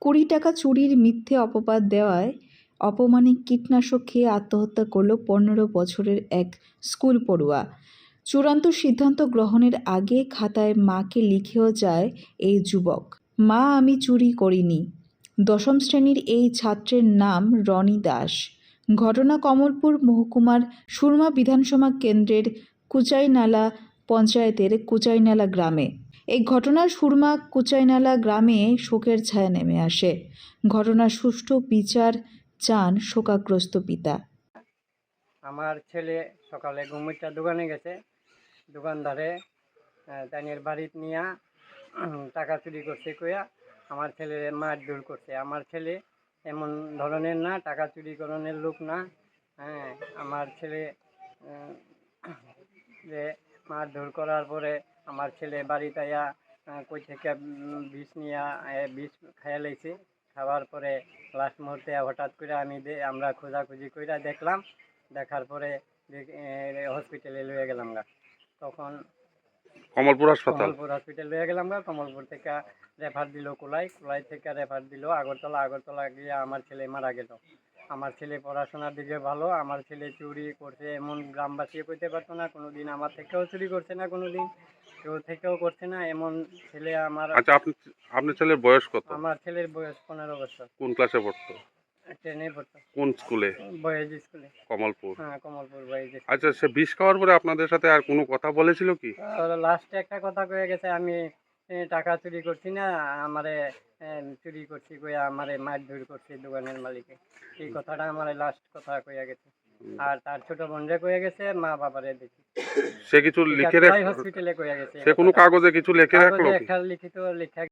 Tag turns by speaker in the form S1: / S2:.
S1: টাকা চুরির মিথ্যে অপবাদ দেওয়ায় অপমানে কীটনাশক খেয়ে আত্মহত্যা করল ১৫ বছরের এক স্কুল পড়ুয়া। চূড়ান্ত সিদ্ধান্ত গ্রহণের আগে খাতায় মাকে লিখেও যায় এই যুবক, মা আমি চুরি করিনি। ১০ম শ্রেণীর এই ছাত্রের নাম রনি দাস। ঘটনা কমলপুর মহকুমার সুরমা বিধানসভা কেন্দ্রের কুচাইনালা পঞ্চায়েতের কুচাইনালা গ্রামে। এই ঘটনার সুরমা কুচাইনালা গ্রামে শোকের ছায়া নেমে আসে। ঘটনার সুষ্ঠু বিচার চান শোকাগ্রস্ত পিতা।
S2: আমার ছেলে সকালে ঘুমিটা দোকানে গেছে, দোকানদারে তাইনের বাড়িতে নিয়ে টাকা চুরি করছে কইয়া আমার ছেলে মারধর করছে। আমার ছেলে এমন ধরনের না, টাকা চুরি করণের লোক না। হ্যাঁ, আমার ছেলে যে মারধর করার পরে আমার ছেলে বাড়িতে আয়া কই থেকে বিষ নিয়ে বিষ খাইয়া লাইছে। খাওয়ার পরে লাস্ট মুহূর্তে হঠাৎ করে আমরা খোঁজাখুঁজি কইরা দেখলাম, দেখার পরে হসপিটালে লয়ে গেলাম গা। তখন
S3: কমলপুর হসপিটাল
S2: লয়ে গেলাম গা। কমলপুর থেকে রেফার দিল কোলাই থেকে রেফার দিল আগরতলা গিয়ে আমার ছেলে মারা গেল। আমার ছেলে পড়াশোনার দিকে ভালো, আমার ছেলে চুরি করছে এমন গ্রামবাসী কইতে পারতো না কোনোদিন। আমার থেকেও চুরি করছে না কোনোদিন, কেউ থেকেও করছে না এমন ছেলে আমার।
S3: আচ্ছা, আপনার ছেলের বয়স কত?
S2: আমার ছেলের বয়স 15 বছর।
S3: কোন ক্লাসে পড়তো?
S2: 10-এ পড়তো।
S3: কোন স্কুলে?
S2: বয়েজ স্কুলে,
S3: কমলপুর।
S2: হ্যাঁ, কমলপুর বয়েজ।
S3: আচ্ছা, সে বিষ খাওয়ার পরে আপনাদের সাথে আর কোনো কথা বলেছিল কি?
S2: লাস্টে একটা কথা কয়ে গেছে, আমি টাকা চুরি করছি না, আমারে চুরি করছি কইয়া আমারে মারধর করছে দোকানের মালিকে। এই কথাটা আমার লাস্ট কথা কইয়া গেছে। আর তার ছোট বোনরে কয়ে গেছে, মা বাবারে দেখি।
S3: সে কিছু লিখে
S2: হসপিটালে কইয়া গেছে।
S3: সে কোনো কাগজে কিছু লিখে রাখলো?
S2: একটা লিখিত লেখা